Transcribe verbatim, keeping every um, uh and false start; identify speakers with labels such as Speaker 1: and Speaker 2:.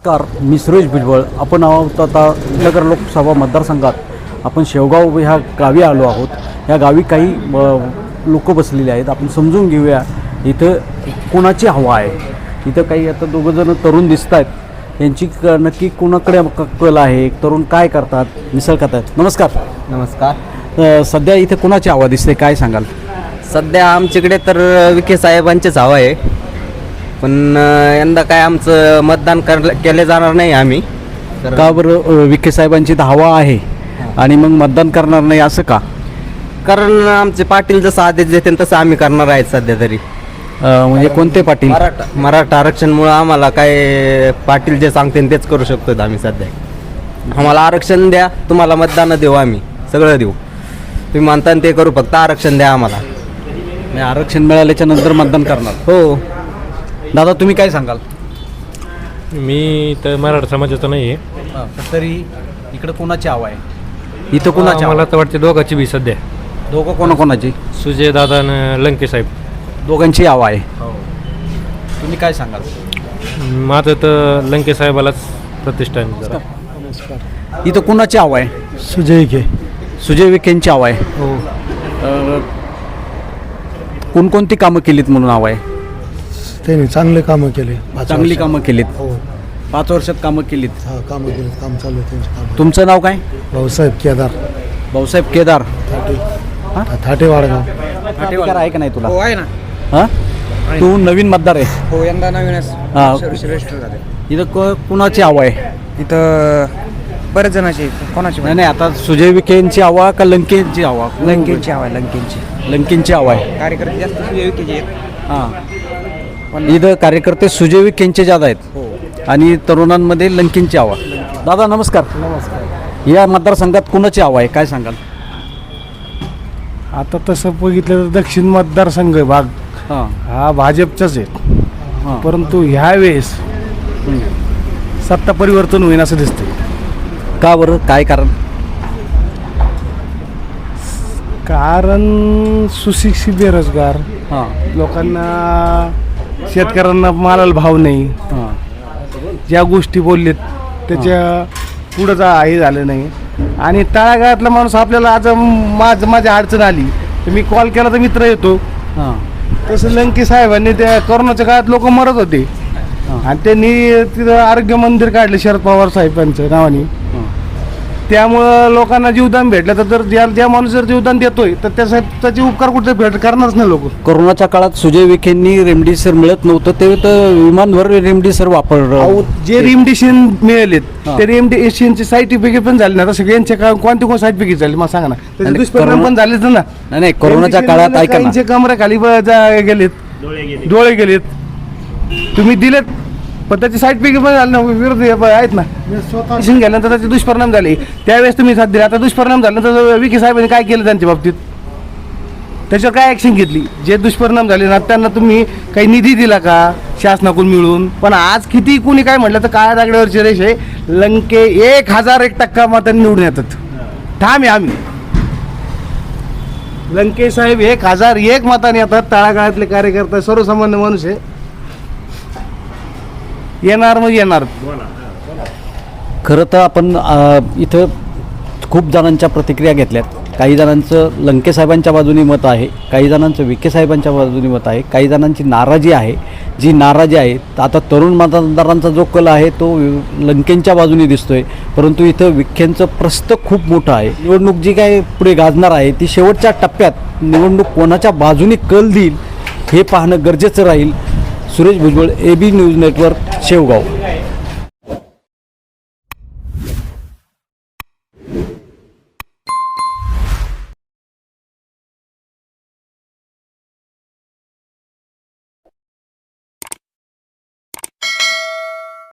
Speaker 1: नमस्कार, मी सुरेश भुजबळ. आपण आहोत आता नगर लोकसभा मतदारसंघात. आपण शेवगाव ह्या गावी आलो आहोत. या गावी काही लोक बसलेले आहेत. आपण समजून घेऊया इथं कोणाची हवा आहे. इथं काही आता दोघंजणं तरुण दिसत आहेत. यांची क नक्की कोणाकडे कल आहे, तरुण काय करतात, मिसळ खातात. नमस्कार.
Speaker 2: नमस्कार.
Speaker 1: सध्या इथे कोणाची हवा दिसते, काय सांगाल?
Speaker 2: सध्या आमच्याकडे तर विखे साहेबांचेच हवा आहे, पण यंदा काय आमचं मतदान कर केले जाणार नाही आम्ही.
Speaker 1: का बरं विखे साहेबांची तर हवा आहे आणि मग मतदान करणार नाही असं का?
Speaker 2: कारण आमचे पाटील जसं आदेश देते तसं आम्ही करणार आहेत सध्या तरी.
Speaker 1: म्हणजे कोणते पाटील?
Speaker 2: मराठा मराठा आरक्षणमुळं आम्हाला काय पाटील जे सांगते तेच करू शकतो आम्ही सध्या. आम्हाला आरक्षण द्या, तुम्हाला मतदान देऊ, आम्ही सगळं देऊ. तुम्ही म्हणता ते करू, फक्त आरक्षण द्या आम्हाला.
Speaker 1: आरक्षण मिळाल्याच्या नंतर मतदान करणार.
Speaker 2: हो.
Speaker 1: दादा तुम्ही काय सांगाल?
Speaker 3: मी तर मराठा समाजाचा नाही आहे,
Speaker 1: तरी इकडं कोणाची हवा आहे? इथं कोणाची?
Speaker 3: मला तर वाटते दोघांची बी सध्या.
Speaker 1: दोघं कोणाकोणाची?
Speaker 3: सुजय दादा आणि लंके साहेब
Speaker 1: दोघांची हवा आहे. तुम्ही काय सांगाल?
Speaker 3: माझं तर लंके साहेबालाच प्रतिष्ठा आहे जरा.
Speaker 1: इथं कोणाची हवा आहे?
Speaker 4: सुजय विखे.
Speaker 1: सुजय विखेंची हवा आहे.
Speaker 4: हो.
Speaker 1: कोणकोणती कामं केलीत म्हणून हवा आहे?
Speaker 4: त्यांनी चांगले कामं केले.
Speaker 1: चांगली कामं केलीत.
Speaker 4: हो.
Speaker 1: पाच वर्षात कामं केलीत.
Speaker 4: हा, कामं केलीत. काम चालू आहे त्यांचे काम.
Speaker 1: तुमचं नाव काय?
Speaker 4: भाऊसाहेब केदार
Speaker 1: भाऊसाहेब केदार.
Speaker 4: थाटे. थाटे वाडगाव.
Speaker 1: अधिकार आहे का नाही तुला?
Speaker 5: हो आहे ना.
Speaker 1: हां, तू नवीन मतदार आहे.
Speaker 5: हो, यंदा नवीनच
Speaker 1: हां.
Speaker 5: रजिस्टर झाले.
Speaker 1: इथं को कुणाची हवा आहे?
Speaker 5: इथं बरेच जणांची. कोणाची?
Speaker 1: नाही नाही, आता सुजय विखेंची हवा का लंकेंची हवा?
Speaker 5: लंकेंची हवा आहे. लंकेंची
Speaker 1: लंकेंची हवा आहे.
Speaker 5: कार्यकर्ते जास्त सुयोग्य आहेत.
Speaker 1: हां, पण इथं कार्यकर्ते सुजय विखेंचे जादा आहेत.
Speaker 5: हो.
Speaker 1: आणि तरुणांमध्ये लंकेंची हवा. दादा नमस्कार.
Speaker 4: नमस्कार.
Speaker 1: या मतदारसंघात कुणाची हवा आहे, काय सांगाल?
Speaker 4: आता तसं बघितलं तर दक्षिण मतदारसंघ भाग
Speaker 1: हां
Speaker 4: हा भाजपचाच आहे,
Speaker 1: हां.
Speaker 4: परंतु ह्या वेळेस सत्ता परिवर्तन होईल असं दिसतंय.
Speaker 1: का बरं, काय कारण?
Speaker 4: कारण सुशिक्षित बेरोजगार
Speaker 1: हां
Speaker 4: लोकांना, शेतकऱ्यांना मालाला भाव नाही.
Speaker 1: हां
Speaker 4: ज्या गोष्टी बोललेत त्याच्या पुढं जा हे झालं नाही. आणि तळागाळातला माणूस आपल्याला आज माझ माझ्या अडचण आली तर मी कॉल केला तर मित्र येतो.
Speaker 1: हां
Speaker 4: तसं लंके साहेबांनी त्या कोरोनाच्या काळात लोक मरत होते आणि त्यांनी तिथं आरोग्य मंदिर काढले शरद पवार साहेबांच्या नावाने. त्यामुळं लोकांना जीवदान भेटलं. तर जर ज्या ज्या माणूस जर जीवदान देतोय तर त्या त्याचे उपकार कुठे भेट करणारच नाही लोक.
Speaker 1: कोरोनाच्या काळात सुजय विखेंनी रेमडेसिवीर मिळत नव्हतं ते तर विमानभर रेमडेसिवीर वापरलं.
Speaker 4: जे रेमडेसिवीर मिळालेत
Speaker 1: हां.
Speaker 4: ते रेमडेसिवीरचे सर्टिफिकेट पण झाले ना. आता सगळ्यांचे का कोणते कोण सर्टिफिकेट झाले मला सांगा ना. त्याचे
Speaker 1: आणि
Speaker 4: दुष्परिणाम
Speaker 1: कोरोना-
Speaker 4: पण झालेच ना.
Speaker 1: नाही नाही, कोरोनाच्या काळात ऐका ना,
Speaker 4: कमऱ्याखाली गेलेत, डोळे गेलेत, तुम्ही दिलेत पण त्याचे सर्टिफिकेट पण झाले ना. विरोध आहेत ना. पेशंट गेल्यानंतर त्याचे दुष्परिणाम झाले. त्यावेळेस तुम्ही साथ दिले. आता दुष्परिणाम झाल्यानंतर विखे साहेबांनी काय केलं त्यांच्या बाबतीत, त्याच्यावर काय ॲक्शन घेतली? जे दुष्परिणाम झाले ना त्यांना तुम्ही काही निधी दिला का शासनाकडून मिळून? पण आज किती कुणी काय म्हटलं तर काळ्या दागड्यावरची रेष आहे. लंके एक हजार एक टक्का मतांनी निवडून येतात. ठाम आहे आम्ही. लंके साहेब एक हजार एक मतांनी येतात. तळागाळातले कार्यकर्ते, सर्वसामान्य माणूस आहे, येणार मग येणार.
Speaker 1: खरं तर आपण अ, इथं खूप जणांच्या प्रतिक्रिया घेतल्यात. काही जणांचं लंके साहेबांच्या बाजूनी मत आहे, काही जणांचं विखे साहेबांच्या बाजूनी मत आहे, काही जणांची नाराजी आहे. जी नाराजी आहे आता तरुण मतदारांचा जो कल आहे तो लंकेंच्या बाजूनी दिसतोय, परंतु इथं विखेंचं प्रस्थ खूप मोठं आहे. निवडणूक जी काय पुढे गाजणार आहे ती शेवटच्या टप्प्यात निवडणूक कोणाच्या बाजूनी कल देईल हे पाहणं गरजेचं राहील. Suresh Bhujbal, A B news network, Shevgaon.